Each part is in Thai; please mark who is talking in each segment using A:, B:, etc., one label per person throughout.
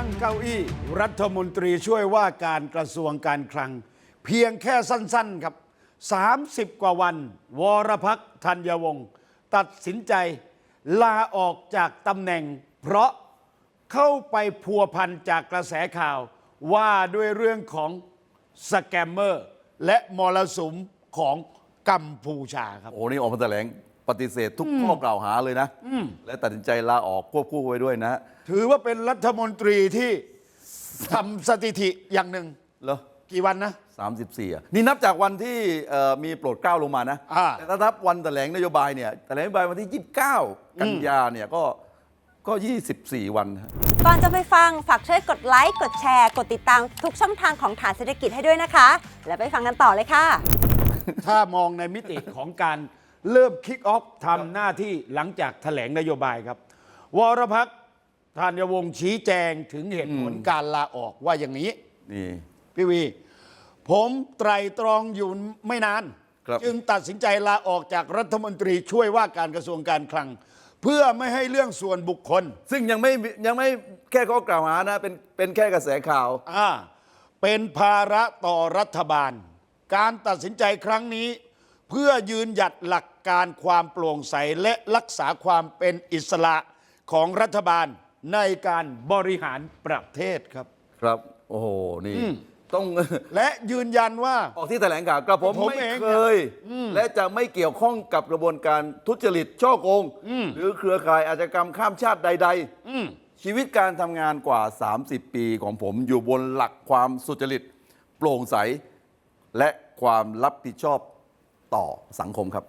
A: นั่งเก้าอี้รัฐมนตรีช่วยว่าการกระทรวงการคลังเพียงแค่สั้นๆครับ30 กว่าวันวรพักษ์ธัญวงศ์ตัดสินใจลาออกจากตำแหน่งเพราะเข้าไปพัวพันจากกระแสข่าวว่าด้วยเรื่องของสแกมเมอร์และมรสุมของกัมพูชาครับ
B: โอ้นี่ออกมาแถลงปฏิเสธทุกข้อกล่าวหาเลยนะและตัดสินใจลาออกควบคู่ไว้ด้วยนะ
A: ถือว่าเป็นรัฐมนตรีที่ทำสถิติอย่างหนึ่ง
B: เหรอ
A: กี่วันนะ
B: 34นี่นับจากวันที่มีโปรดเกล้าลงมานะแต่ถ้านับวันแถลงนโยบายเนี่ยแถลงนโยบายวันที่29 กันยาเนี่ยก็24 วัน
C: ก่อนจะไปฟังฝากช่วยกดไลค์กดแชร์กดติดตามทุกช่องทางของฐานเศรษฐกิจให้ด้วยนะคะแล้วไปฟังกันต่อเลยค่ะ
A: ถ้ามองในมิติของการเริ่มคิกออฟทำหน้าที่หลังจากแถลงนโยบายครับวรพักษ์ธัญวงศ์ชี้แจงถึงเหตุผลการลาออกว่าอย่างนี้
B: นี่
A: พี่วีผมไตร่ตรองอยู่ไม่นานจึงตัดสินใจลาออกจากรัฐมนตรีช่วยว่าการกระทรวงการคลังเพื่อไม่ให้เรื่องส่วนบุคคล
B: ซึ่งยังไม่แค่ข้อกล่าวหานะเป็นแค่กระแสข่าว
A: เป็นภาระต่อรัฐบาลการตัดสินใจครั้งนี้เพื่อยืนหยัดหลักการความโปร่งใสและรักษาความเป็นอิสระของรัฐบาลในการบริหารประเทศครับ
B: ครับโอ้โหนี่ต้อง
A: และยืนยันว่า
B: ออกที่แถลงข่าวกระผมไม่เคยและจะไม่เกี่ยวข้องกับกระบวนการทุจริตช่อโกงหรือเครือข่ายอาชญากรรมข้ามชาติใดๆชีวิตการทำงานกว่า30 ปีของผมอยู่บนหลักความสุจริตโปร่งใสและความรับผิดชอบต่อสังคมครับ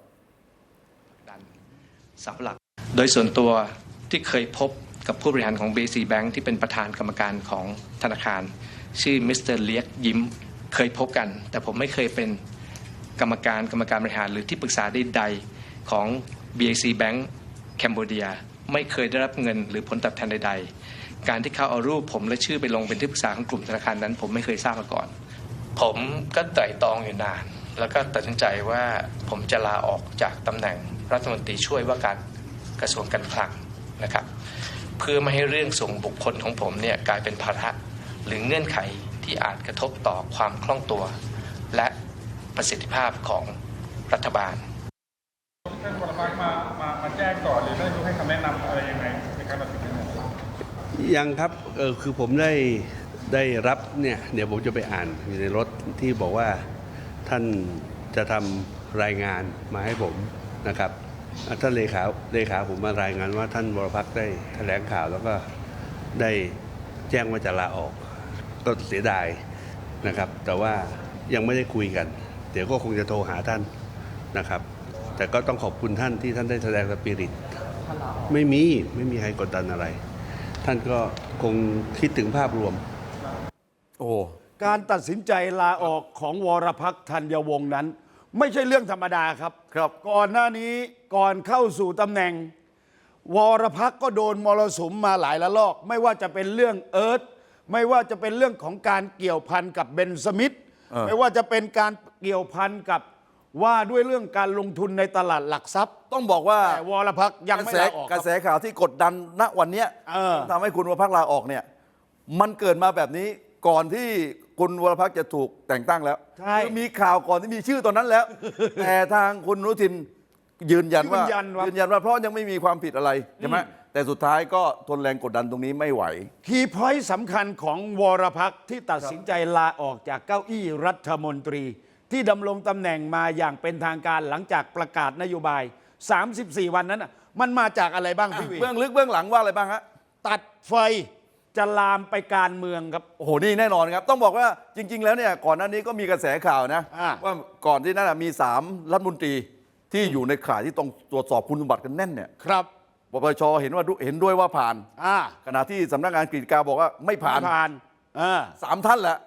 D: เสาหลักโดยส่วนตัวที่เคยพบกับผู้บริหารของ BC Bank ที่เป็นประธานกรรมการของธนาคารชื่อมิสเตอร์เลียกยิ้มเคยพบกันแต่ผมไม่เคยเป็นกรรมการบริหารหรือที่ปรึกษาใดๆของ BAC Bank แคนเบเดียไม่เคยได้รับเงินหรือผลตอบแทนใดๆการที่เขาเอารูปผมและชื่อไปลงเป็นที่ปรึกษาของกลุ่มธนาคารนั้นผมไม่เคยทราบมาก่อนผมก็ไตร่ตรองอยู่นานแล้วก็ตัดสินใจว่าผมจะลาออกจากตำแหน่งรัฐมนตรีช่วยว่าการกระทรวงการคลังนะครับเพื่อไม่ให้เรื่องส่วนบุคคลของผมเนี่ยกลายเป็นภาระหรือเงื่อนไขที่อาจกระทบต่อความคล่องตัวและประสิทธิภาพของรัฐบาล
E: ท่านวรพักษ์มาแจ้งก่อนหรือได้ให้คำแนะนำอะไรยังไงในการตัดสินใจ
F: ยังครับคือผมได้รับเนี่ยเดี๋ยวผมจะไปอ่านอยู่ในรถที่บอกว่าท่านจะทำรายงานมาให้ผมนะครับท่านเลขาผมมารายงานว่าท่านวรพักษ์ได้แถลงข่าวแล้วก็ได้แจ้งว่าจะลาออกก็เสียดายนะครับแต่ว่ายังไม่ได้คุยกันเดี๋ยวก็คงจะโทรหาท่านนะครับแต่ก็ต้องขอบคุณท่านที่ท่านได้แสดงสปิริตไม่มีใครกดดันอะไรท่านก็คงคิดถึงภาพรวม
A: การตัดสินใจลาออกของวรพักษ์ธัญวงศ์นั้นไม่ใช่เรื่องธรรมดาครับก่อนหน้านี้ก่อนเข้าสู่ตำแหน่งวรพักษ์ก็โดนมรสุมมาหลายระลอกไม่ว่าจะเป็นเรื่องเอิร์ธไม่ว่าจะเป็นเรื่องของการเกี่ยวพันกับเบนสมิธไม่ว่าจะเป็นการเกี่ยวพันกับว่าด้วยเรื่องการลงทุนในตลาดหลักทรัพย์
B: ต้องบอกว่าว
A: รพักษ์ยังไม่ลาออก
B: กระแสข่าวที่กดดันณวันนี้ทำให้คุณวรพักษ์ลาออกเนี่ยมันเกิดมาแบบนี้ก่อนที่คุณวรพักษ์จะถูกแต่งตั้งแล้วมีข่าวก่อนที่มีชื่อตอนนั้นแล้ว แต่ทางคุณอนุทินยืนยันว่าเพราะยังไม่มีความผิดอะไรใช่ไหมแต่สุดท้ายก็ทนแรงกดดันตรงนี้ไม่ไหว
A: คีย์พอยต์สำคัญของวรพักษ์ที่ตัดสินใจลาออกจากเก้าอี้รัฐมนตรีที่ดำรงตำแหน่งมาอย่างเป็นทางการหลังจากประกาศนโยบาย34 วันนั้นมันมาจากอะไรบ้างพี่วี
B: เบื้องลึกเบื้องหลังว่าอะไรบ้างฮะ
A: ตัดไฟจะลามไปการเมืองครับ
B: โอ้โหนี่แน่นอนครับต้องบอกว่าจริงๆแล้วเนี่ยก่อนหน้านี้ก็มีกระแสข่าวนะว่าก่อนที่นั้นมี3รัฐมนตรีที่อยู่ในข่ายที่ต้องตรวจสอบคุณสมบัติกันแน่นเนี่ย
A: ครับ
B: ปปชเห็นด้วยว่าผ่านขณะที่สำนักงานกฤษฎีกาบอกว่าไม่ผ่าน3 ท่านแหละ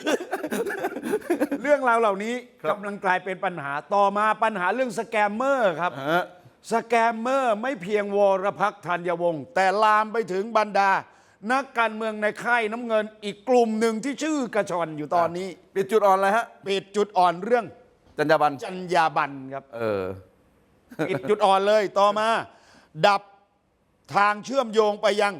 A: เรื่องราวเหล่านี้กำลังกลายเป็นปัญหาต่อมาปัญหาเรื่องสแกมเมอร์ครับสแกมเมอร์ไม่เพียงวรพักษ์ธัญวงศ์แต่ลามไปถึงบรรดานักการเมืองในค่ายน้ำเงินอีกกลุ่มหนึ่งที่ชื่อกระชอนอยู่ตอนนี้
B: ปิดจุดอ่อนอะไรฮะ
A: ปิดจุดอ่อนเรื่อง
B: จรรยาบรรณ
A: ครับปิดจุดอ่อนเลยต่อมาดับทางเชื่อมโยงไปยัง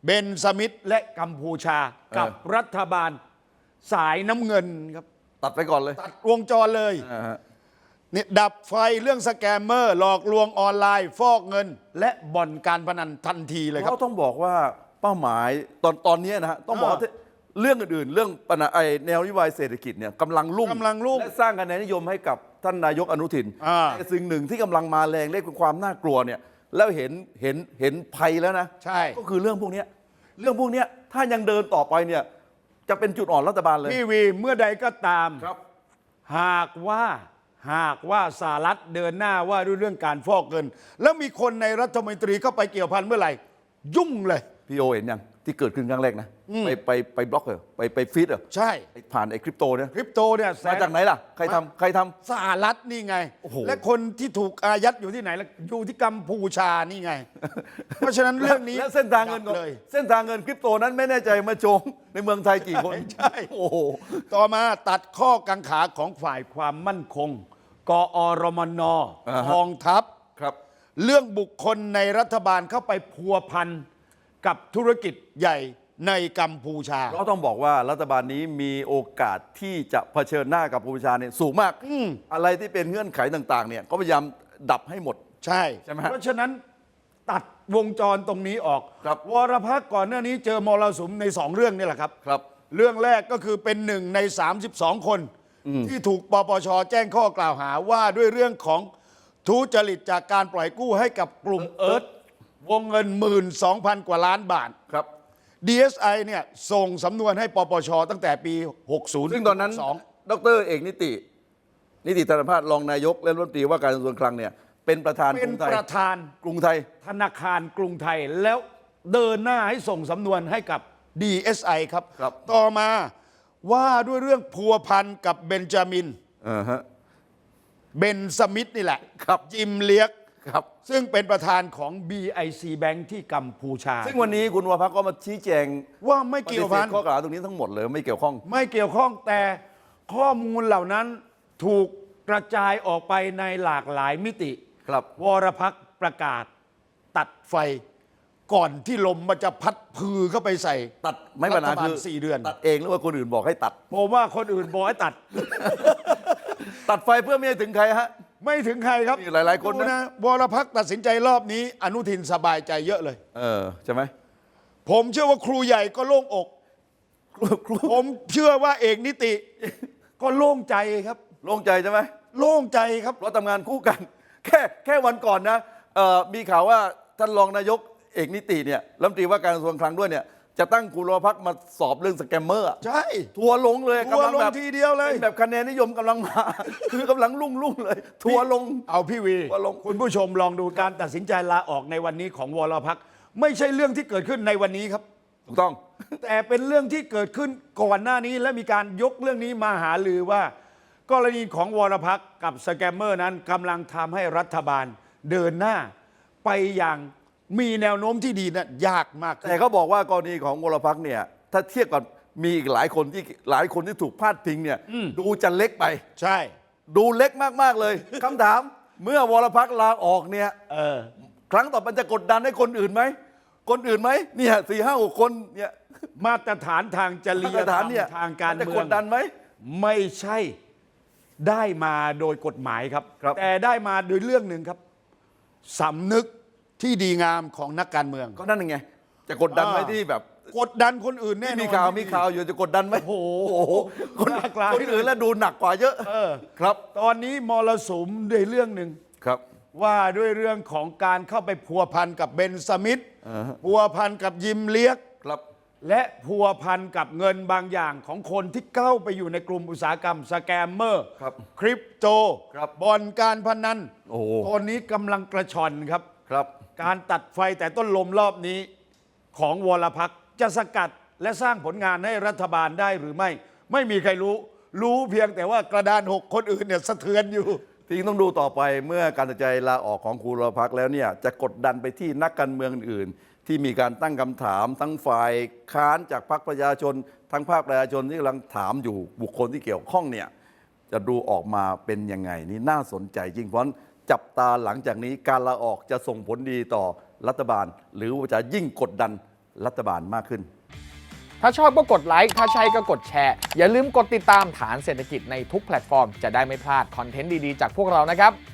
A: เบนสมิธและกัมพูชากับรัฐบาลสายน้ำเงินครับ
B: ตัดไปก่อนเลย
A: ตัดวงจรเลย
B: อ่าฮะ
A: นี่ดับไฟเรื่องสแกมเมอร์หลอกลวงออนไลน์ ฟอกเงิน และบ่อนการพนันทันทีเลยครับ
B: เขาต้องบอกว่าเป้าหมายตอนนี้นะฮะต้องบอกว่าเรื่องอื่นๆ เรื่องปัญหาแนวนโยบายเศรษฐกิจเนี่ยกำลังรุ่งและสร้างคะแนนนิยมให้กับท่านนายกอนุทินแต่สิ่งหนึ่งที่กำลังมาแรงเรียกว่าความน่ากลัวเนี่ยแล้วเห็นภัยแล้วนะ
A: ใช่
B: ก็คือเรื่องพวกเนี้ยถ้ายังเดินต่อไปเนี่ยจะเป็นจุดอ่อนรัฐบาลเลย
A: พี่วีเมื่อใดก็ตาม
B: ครับ
A: หากว่าสหรัฐเดินหน้าว่าด้วยเรื่องการฟอกเงิน แล้วมีคนในรัฐมนตรีเข้าไปเกี่ยวพันเมื่อไหร่ ยุ่งเลย
B: พี่โอเห็นยังที่เกิดขึ้นครั้งแรกนะไปบล็อกเหรอไปฟีดเหรอ
A: ใช่
B: ผ่านไอ้คริปโตเนี่ย
A: คริปโตเนี่ย
B: มาจากไหนล่ะใครทำ
A: สหรัฐนี่ไง
B: โอ้โห
A: และคนที่ถูกอายัดอยู่ที่ไหนล่ะอยู่ที่กัมพูชานี่ไง เพราะฉะนั้นเรื่องนี้
B: แล้วเส้นทางเงิน
A: ดับเลย
B: เส้นทางเงินคริปโตนั้นไม่แน่ใจมาโจงในเมืองไทยกี่คน
A: ใช่
B: โอ้โห
A: ต่อมาตัดข้อกังขาของฝ่ายความมั่นคง กอรมน
B: อ่าฮะ
A: กองทัพ
B: ครับ
A: เรื่องบุคคลในรัฐบาลเข้าไปพัวพันกับธุรกิจใหญ่ในกัมพูชา
B: เราต้องบอกว่ารัฐบาลนี้มีโอกาสที่จะเผชิญหน้ากับกัมพูชาเนี่ยสูงมากอะไรที่เป็นเงื่อนไขต่างๆเนี่ยก็พยายามดับให้หมด
A: ใช่
B: ใช่ไหมฮะ
A: เพราะฉะนั้นตัดวงจรตรงนี้ออก
B: ครับ
A: วรพักษ์ก่อนหน้านี้เจอมรสุมใน2เรื่องนี่แหละครับ
B: ครับ
A: เรื่องแรกก็คือเป็น1 ใน 32 คนที่ถูกปปชแจ้งข้อกล่าวหาว่าด้วยเรื่องของทุจริตจากการปล่อยกู้ให้กับกลุ่มเอิร์ธวงเงิน 12,000 กว่าล้านบาท
B: ครับ
A: DSI เนี่ยส่งสำนวนให้ปปชตั้งแต่ปี 60
B: ซึ่งตอนนั้นดรเอกนิติธนภาสรองนายกและรัฐมนตรีว่าการกระทรวงคลังเนี่ยเป็นประธาน
A: เป็นประธาน
B: กรุงไทย
A: ธนาคารกรุงไทยแล้วเดินหน้าให้ส่งสำนวนให้กับ DSI ครับ
B: ครับ
A: ต่อมาว่าด้วยเรื่องพัวพันกับเบนจามิน
B: ฮะ
A: เบนสมิธนี่แหละ
B: ครับ
A: จิมเลียก
B: ครับ
A: ซึ่งเป็นประธานของ BIC Bank ที่กัมพูชา
B: ซึ่งวันนี้คุณวรพักษ์ก็มาชี้แจง
A: ว่าไม่เกี่ยวพัน
B: ปฏิสธข้อกล่าวหาตรงนี้ทั้งหมดเลยไม่เกี่ยวข้อง
A: ไม่เกี่ยวข้องแต่ข้อมูลเหล่านั้นถูกกระจายออกไปในหลากหลายมิติ
B: ครับ
A: วรพักษ์ประกาศตัดไฟก่อนที่ลมมันจะพัดพือเข้าไปใส่
B: ตัดไม่ปัญหา
A: รัฐบาล
B: คือ
A: 4 เดือน
B: ตัดเองหรือว่าคนอื่นบอกให้ตัด
A: ผมว่าคนอื่นบอกให้ตัด
B: ตัดไฟเพื่อไม่ให้ถึงใครฮะ
A: ไม่ถึงใครครับ
B: มีหลายๆคนนะ
A: ดูวรพักษ์ตัดสินใจรอบนี้ อนุทินสบายใจเยอะเลย
B: ใช่ไหม
A: ผมเชื่อว่าครูใหญ่ก็โล่งอก ผมเชื่อว่าเอกนิติ ก็โล่งใจครับ
B: โล่งใจใช่ไหม
A: โล่งใจครับ
B: เพราะทำงานคู่กัน แค่วันก่อนนะมีข่าวว่าท่านรองนายกเอกนิติเนี่ยรัฐมนตรีว่าการกระทรวงคลังด้วยเนี่ยจะตั้งคุณวรพักษ์มาสอบเรื่องสแกมเมอร์อะ
A: ใช่
B: ทัวร์ลงเลย
A: ทัวร์ลง
B: กำแบบ
A: ทีเดียวเลย
B: ป็นแบบคะแนนนิยมกำลังมา คือกำลังรุ่งเลย ทัวร์ลง
A: เอาพี่วี
B: ทัวร์ลง
A: คุณผู้ชมลองดูการตัดสินใจลาออกในวันนี้ของวรพักษ์ไม่ใช่เรื่องที่เกิดขึ้นในวันนี้ครับ
B: ถูกต้อง
A: แต่เป็นเรื่องที่เกิดขึ้นก่อนหน้านี้และมีการยกเรื่องนี้มาหาลือว่า กรณีของวรพักษ์กับสแกมเมอร์นั้นกำลังทำให้รัฐบาลเดินหน้า ไปอย่างมีแนวโน้มที่ดีนะยากมาก
B: แต่เขาบอกว่ากรณีของวรพักษ์เนี่ยถ้าเทียบกับมีอีกหลายคนที่ถูกพาดพิงเนี่ยดูจะเล็กไป
A: ใช่
B: ดูเล็กมากๆเลย คำถามเมื่อวรพักษ์ลาออกเนี่ย ครั้งต่อไปจะกดดันให้คนอื่นไหมคนอื่นไหมเนี่ย4-5-6 คนเนี่ย
A: มาตรฐานทางจริย
B: มาตร
A: ธร
B: ฐาร น
A: ม
B: เนี่ย
A: ทางการ
B: จะ
A: เมื
B: ก
A: อง
B: ดดันไหม
A: ไม่ใช่ได้มาโดยกฎหมายครับ
B: ครับ
A: แต่ได้มาโดยเรื่องหนึ่งครับสำนึกที่ดีงามของนักการเมือง
B: ก็นั่นไงจะกดดันไหมที่แบบ
A: กดดันคนอื่นแน่นอน
B: มีข่าวอยู่จะกดดันไหม
A: โอ้โห
B: คน
A: หลากหลาย
B: อื่นแล้วดูหนักกว่าเยอะ ครับ
A: ตอนนี้มรสุมด้วยเรื่องหนึ่ง
B: ครับ
A: ว่าด้วยเรื่องของการเข้าไปพัวพันกับเบนสมิธพัวพันกับยิมเลียก
B: ครับ
A: และพัวพันกับเงินบางอย่างของคนที่เข้าไปอยู่ในกลุ่มอุตสาหกรรมสแกมเมอร์
B: ครับ
A: คริปโต
B: ครับ
A: บ่อนการพนัน
B: โอ้โห
A: ตอนนี้กำลังกระชอนครับ
B: ครับ
A: การตัดไฟแต่ต้นลมรอบนี้ของวรพักษ์จะสกัดและสร้างผลงานให้รัฐบาลได้หรือไม่ ไม่มีใครรู้เพียงแต่ว่ากระดาน6คนอื่นเนี่ยสะเทือนอยู่
B: ที่ต้องดูต่อไปเมื่อการตัดสินใจลาออกของคุณวรพักษ์แล้วเนี่ยจะกดดันไปที่นักการเมืองอื่นๆที่มีการตั้งคำถามทั้งฝ่ายค้านจากพรรคประชาชนทั้งภาคประชาชนที่กำลังถามอยู่บุคคลที่เกี่ยวข้องเนี่ยจะดูออกมาเป็นยังไงนี่น่าสนใจจริงเพราะฉะนั้นจับตาหลังจากนี้การลาออกจะส่งผลดีต่อรัฐบาล หรือว่าจะยิ่งกดดันรัฐบาลมากขึ้น
G: ถ้าชอบก็กดไลค์ถ้าใช่ก็กดแชร์อย่าลืมกดติดตามฐานเศรษฐกิจในทุกแพลตฟอร์มจะได้ไม่พลาดคอนเทนต์ดีๆจากพวกเรานะครับ